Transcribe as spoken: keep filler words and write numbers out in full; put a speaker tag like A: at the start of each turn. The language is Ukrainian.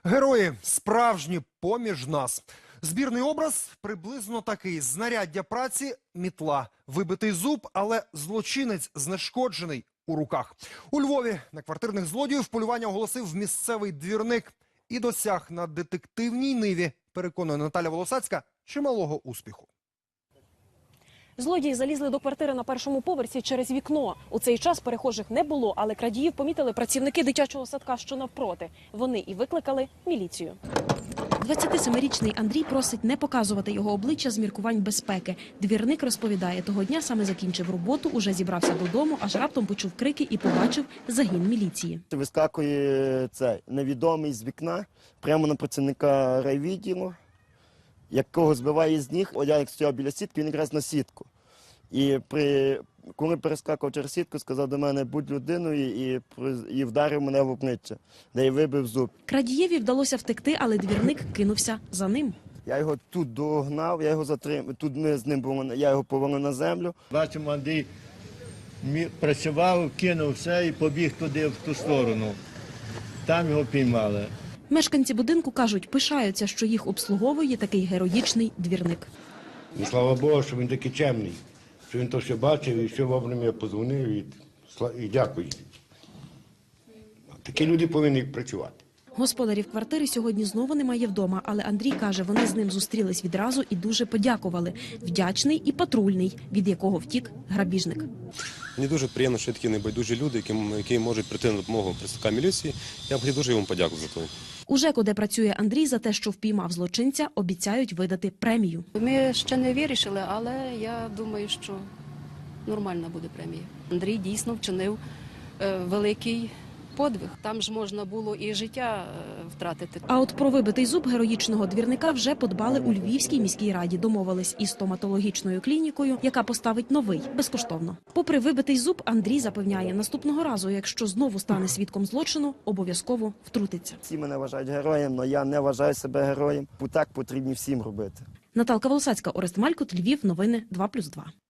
A: Герої справжні поміж нас. Збірний образ приблизно такий: знаряддя праці – мітла, вибитий зуб, але злочинець знешкоджений у руках. У Львові на квартирних злодіїв полювання оголосив місцевий двірник і досяг на детективній ниві, переконує Наталя Волосацька, чималого успіху.
B: Злодії залізли до квартири на першому поверсі через вікно. У цей час перехожих не було, але крадіїв помітили працівники дитячого садка, що навпроти. Вони і викликали міліцію. двадцятисемирічний Андрій просить не показувати його обличчя з міркувань безпеки. Двірник розповідає, того дня саме закінчив роботу, уже зібрався додому, аж раптом почув крики і побачив загін міліції.
C: Вискакує цей невідомий з вікна прямо на працівника райвідділу, якого збиває з ніг. Я як стояв біля сітки, він якраз на сітку. І при, коли перескакував через сітку, сказав до мене: будь людиною, і, і вдарив мене в обличчя, де й вибив зуб.
B: Крадієві вдалося втекти, але двірник кинувся за ним.
C: Я його тут догнав, я його затримав, тут ми з ним були, я його повалив на землю.
D: Бачимо, Андрій працював, кинув все і побіг туди, в ту сторону. Там його піймали.
B: Мешканці будинку кажуть, пишаються, що їх обслуговує такий героїчний двірник.
E: І слава Богу, що він такий чемний, що він то все бачив і все вовремя подзвонив, і, і дякую. Такі люди повинні працювати.
B: Господарів квартири сьогодні знову немає вдома, але Андрій каже, вони з ним зустрілись відразу і дуже подякували. Вдячний і патрульний, від якого втік грабіжник.
F: Мені дуже приємно, що є такі небайдужі люди, які, які можуть прийти на допомогу представника міліції. Я хотів дуже йому подякувати за це.
B: У ЖЕКу, де працює Андрій, за те, що впіймав злочинця, обіцяють видати премію.
G: Ми ще не вирішили, але я думаю, що нормальна буде премія. Андрій дійсно вчинив е, великий подвиг. Там ж можна було і життя е, втратити.
B: А от про вибитий зуб героїчного двірника вже подбали у Львівській міській раді. Домовились із стоматологічною клінікою, яка поставить новий, безкоштовно. Попри вибитий зуб, Андрій запевняє, наступного разу, якщо знову стане свідком злочину, обов'язково втрутиться.
C: Всі мене вважають героєм, але я не вважаю себе героєм. Так потрібно всім робити.
B: Наталка Волосацька, Орест Малькут, Львів, новини два плюс два.